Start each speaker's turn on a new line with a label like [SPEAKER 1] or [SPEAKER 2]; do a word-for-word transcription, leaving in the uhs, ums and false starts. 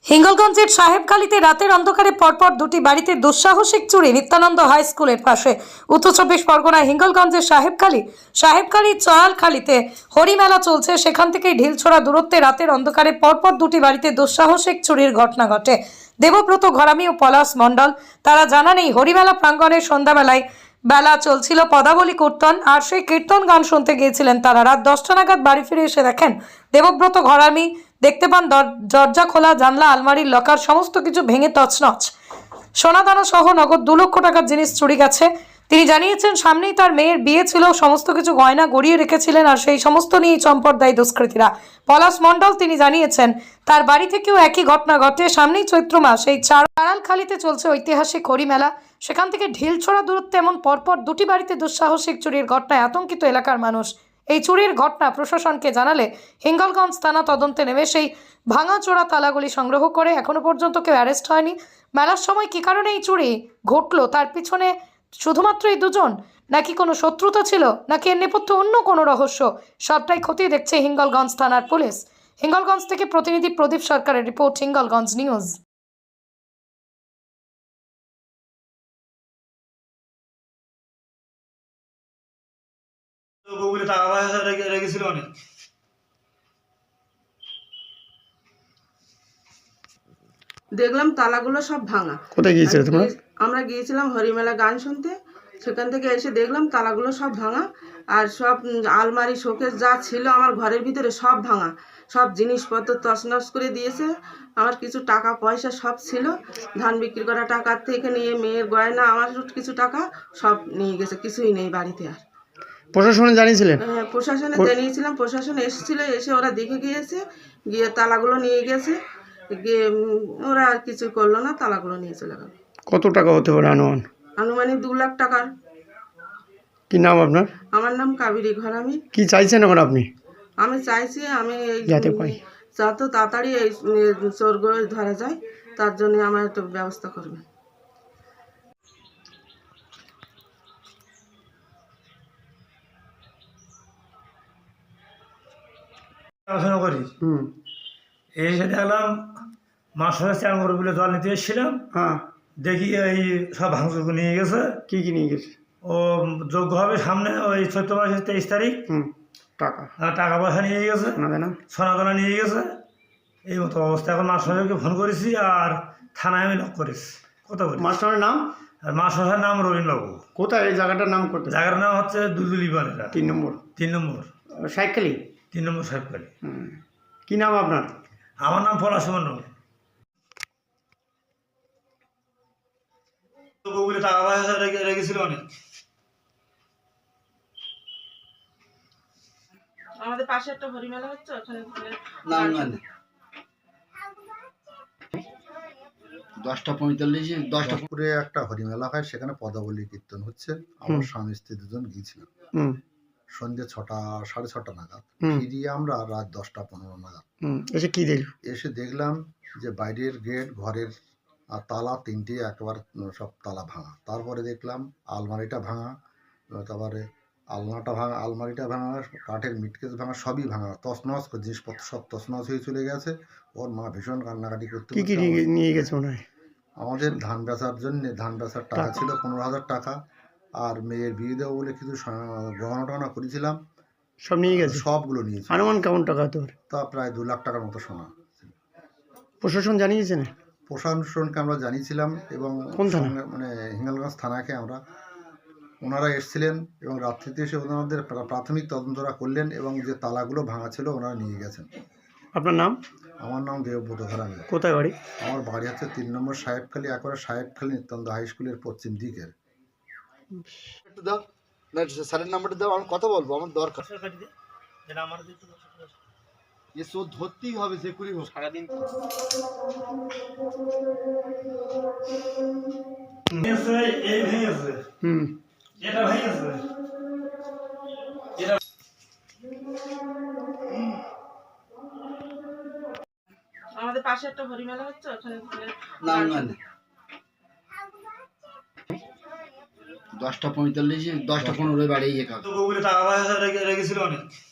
[SPEAKER 1] হিঙ্গলগঞ্জের সাহেবখালীতে রাতের অন্ধকারে পরপর দুটি বাড়িতে দুঃসাহসিক চুরি নিত্যানন্দ হাই স্কুলের পাশে। উত্তর চব্বিশ পরগনায় হিঙ্গলগঞ্জের সাহেবখালী সাহেবখালীর চয়ালখালীতে হরিমেলা চলছে, সেখান থেকে ঢিলছোড়া দূরত্বে রাতের অন্ধকারে পরপর দুটি বাড়িতে দুঃসাহসিক চুরির ঘটনা ঘটে। দেবব্রত ঘরামি ও পলাশ মণ্ডল তারা জানান, এই হরিমেলা প্রাঙ্গণে সন্ধ্যাবেলায় বেলা চলছিল পদাবলী কীর্তন, আর সেই কীর্তন গান শুনতে গিয়েছিলেন তারা। রাত দশটা নাগাদ বাড়ি ফিরে এসে দেখেন দেবব্রত ঘরামি দেখতে পান দরজা খোলা, জানলা, আলমারির লকার সমস্ত কিছু ভেঙে তছনছ, সোনাদানা সহ নগদ দু লক্ষ টাকার জিনিস চুরি গেছে। তিনি জানিয়েছেন, সামনেই তার মেয়ের বিয়ে ছিল, সমস্ত কিছু গয়না গড়িয়ে রেখেছিলেন, আর সেই সমস্ত নিয়েই চম্পট দেয় দুষ্কৃতীরা। পলাশ মণ্ডল তিনি জানিয়েছেন, তার বাড়ি থেকেও একই ঘটনা ঘটে। সামনেই চৈত্র মাস, এই চারালখালীতে চলছে ঐতিহাসিক হরিমেলা, সেখান থেকে ঢিলছোড়া দূরত্বে এমন পরপর দুটি বাড়িতে দুঃসাহসিক চুরির ঘটনায় আতঙ্কিত এলাকার মানুষ। এই চুরির ঘটনা প্রশাসনকে জানালে হিঙ্গলগঞ্জ থানা তদন্তে নেমে সেই ভাঙাচোরা তালাগুলি সংগ্রহ করে। এখনো পর্যন্ত কেউ অ্যারেস্ট হয়নি। মেলার সময় কী কারণে এই চুরি ঘটলো, তার পিছনে শুধুমাত্র এই দুজন, নাকি কোনো শত্রুতা ছিল, নাকি এর নেপথ্যে অন্য কোনো রহস্য, সবটাই খতিয়ে দেখছে হিঙ্গলগঞ্জ থানার পুলিশ। হিঙ্গলগঞ্জ থেকে প্রতিনিধি প্রদীপ সরকারের রিপোর্ট, হিঙ্গলগঞ্জ নিউজ।
[SPEAKER 2] গুগলে টাকা পয়সা রেখে রেখেছিল অনেক।
[SPEAKER 3] দেখলাম তালাগুলো সব ভাঙা।
[SPEAKER 4] কোথায় গিয়েছিলে তোমরা?
[SPEAKER 3] আমরা গিয়েছিলাম হরিমেলা গান শুনতে, সেখান থেকে এসে দেখলাম তালাগুলো সব ভাঙা, আর সব আলমারি শোকেস যা ছিল আমার ঘরের ভিতরে সব ভাঙা, সব জিনিসপত্র তছনছ করে দিয়েছে। আমার কিছু টাকা পয়সা সব ছিল, ধান বিক্রি করা টাকার থেকে নিয়ে মেয়ের গয়না, আমার কিছু টাকা সব নিয়ে গেছে, কিছুই নেই বাড়িতে। আর
[SPEAKER 4] প্রশাসনে জানিয়েছিলেন?
[SPEAKER 3] হ্যাঁ, প্রশাসনে জানিয়েছিলাম, প্রশাসন এসেছিল, এসে ওরা দেখে গিয়েছে, গিয়ে তালাগুলো নিয়ে গেছে, গিয়ে ওরা আর কিছু করলো না, তালাগুলো নিয়ে চলে গেল।
[SPEAKER 4] কত টাকা হতে পারে অনুমান?
[SPEAKER 3] আনুমানিক দু লাখ টাকার।
[SPEAKER 4] কি নাম আপনার?
[SPEAKER 3] আমার নাম কাবেরী ঘরামি।
[SPEAKER 4] কি চাইছেন এখন আপনি?
[SPEAKER 3] আমি চাইছি আমি এই
[SPEAKER 4] যাতে পাই
[SPEAKER 3] যত তাড়াতাড়ি এই চোরগুলো ধরা যায়, তার জন্য আমার একটু ব্যবস্থা করবেন।
[SPEAKER 2] পড়াশোনা করি,
[SPEAKER 4] হুম
[SPEAKER 2] এসে দেখলাম মাস হয়ে চার করে বলে জল নিতে এসেছিলাম,
[SPEAKER 4] হ্যাঁ,
[SPEAKER 2] দেখি এই সব ভাঙচুর নিয়ে গেছে।
[SPEAKER 4] কি কি নিয়ে গেছে?
[SPEAKER 2] ও যোগ্য হবে সামনে ওই চৈত্র মাসের তেইশ তারিখ।
[SPEAKER 4] হুম টাকা
[SPEAKER 2] আর টাকা পয়সা নিয়ে গেছে,
[SPEAKER 4] না দেনা
[SPEAKER 2] সোনাদানা নিয়ে গেছে। এই মতো অবস্থা। এখন মাস্টারকে ফোন করেছি আর থানায় আমি লক করেছি। কথা বলি।
[SPEAKER 4] মাস্টারের নাম?
[SPEAKER 2] আর মাস্টারের নাম রবীন্দ্রবাবু।
[SPEAKER 4] কোথায় এই জায়গাটার নাম? করতে
[SPEAKER 2] জায়গার নাম হচ্ছে দুলদুলি পাড়া,
[SPEAKER 4] তিন নম্বর
[SPEAKER 2] তিন নম্বর
[SPEAKER 4] সাইকেলি
[SPEAKER 2] তিন নম্বর সাহেবখালী।
[SPEAKER 4] হুম কি নাম আপনার?
[SPEAKER 2] আমার নাম পলাশ মণ্ডল। গুগলে টাকা পয়সা রেখে রেখেছিল অনেক।
[SPEAKER 3] আমাদের পাশে একটা হরিমেলা হচ্ছে, ওখানে
[SPEAKER 5] দশটা পঁয়তাল্লিশে দশটা পুরে একটা হরিমেলা হয়, সেখানে পদাবলী কীর্তন হচ্ছে। আমার স্বামী স্ত্রী দুজন গিয়েছিলাম সন্ধ্যে ছটা সাড়ে ছটা নাগাদ। ফিরিয়ে আমরা রাত দশটা পনেরো নাগাদ
[SPEAKER 4] এসে কি দেখল?
[SPEAKER 5] এসে দেখলাম যে বাইরের গেট, ঘরের তালা তিনটে একেবারে সব তালা ভাঙা। তারপরে দেখলাম আলমারিটা ভাঙা, তারপরে আলনাটা ভাঙা, আলমারিটা ভাঙা, কাঠের মিটকেস ভাঙা, সবই ভাঙা, তছনছ জিনিসপত্র সব তছনছ হয়ে চলে গেছে। ওর মা ভীষণ কান্নাকাটি করতে।
[SPEAKER 4] কি কি নিয়ে গেছে মনে হয়?
[SPEAKER 5] আমাদের ধান বেচার জন্য, ধান বেচার টাকা ছিল পনেরো হাজার টাকা, আর মেয়ের বিয়ে দেবো বলে কিছু গহনা টহনা করেছিলাম,
[SPEAKER 4] সব নিয়ে গেছে।
[SPEAKER 5] সবগুলো নিয়েছে।
[SPEAKER 4] অনুমান কেমন টাকা হতে পারে?
[SPEAKER 5] তা প্রায় দু লাখ টাকার মতো সোনা।
[SPEAKER 4] প্রশাসন জানিয়েছেন?
[SPEAKER 5] প্রশাসনকে আমরা জানিয়েছিলাম, এবং
[SPEAKER 4] কোন থানা?
[SPEAKER 5] মানে হিঙ্গলগঞ্জ থানাকে আমরা, ওনারা এসেছিলেন এবং রাত্রিতে এসে ওনাদের প্রাথমিক তদন্তরা করলেন, এবং যে তালাগুলো ভাঙা ছিল ওনারা নিয়ে গেছেন।
[SPEAKER 4] আপনার নাম?
[SPEAKER 5] আমার নাম দেবব্রত ঘরামি।
[SPEAKER 4] কোথায় বাড়ি? আমার
[SPEAKER 5] বাড়ি হচ্ছে তিন নম্বর সাহেবখালী, একবারে সাহেবখালী নিত্যানন্দ হাই স্কুলের পশ্চিম দিকের।
[SPEAKER 6] একটু দাও না, স্যারের নাম্বারটা দাও, আমি কথা বলবো, আমার দরকার। এ চোর ধরতেই হবে, যে করি হোক সারাদিন।
[SPEAKER 4] হুম
[SPEAKER 2] এটা ভেঙেছে,
[SPEAKER 3] আমাদের পাশে একটা হরিমেলা হচ্ছে, ওখানে
[SPEAKER 6] না না দশটা পঁয়তাল্লিশে দশটা পনেরো বাড়ি গিয়ে
[SPEAKER 2] গুগলে টাকা পয়সা রেখে রেখেছিল অনেক।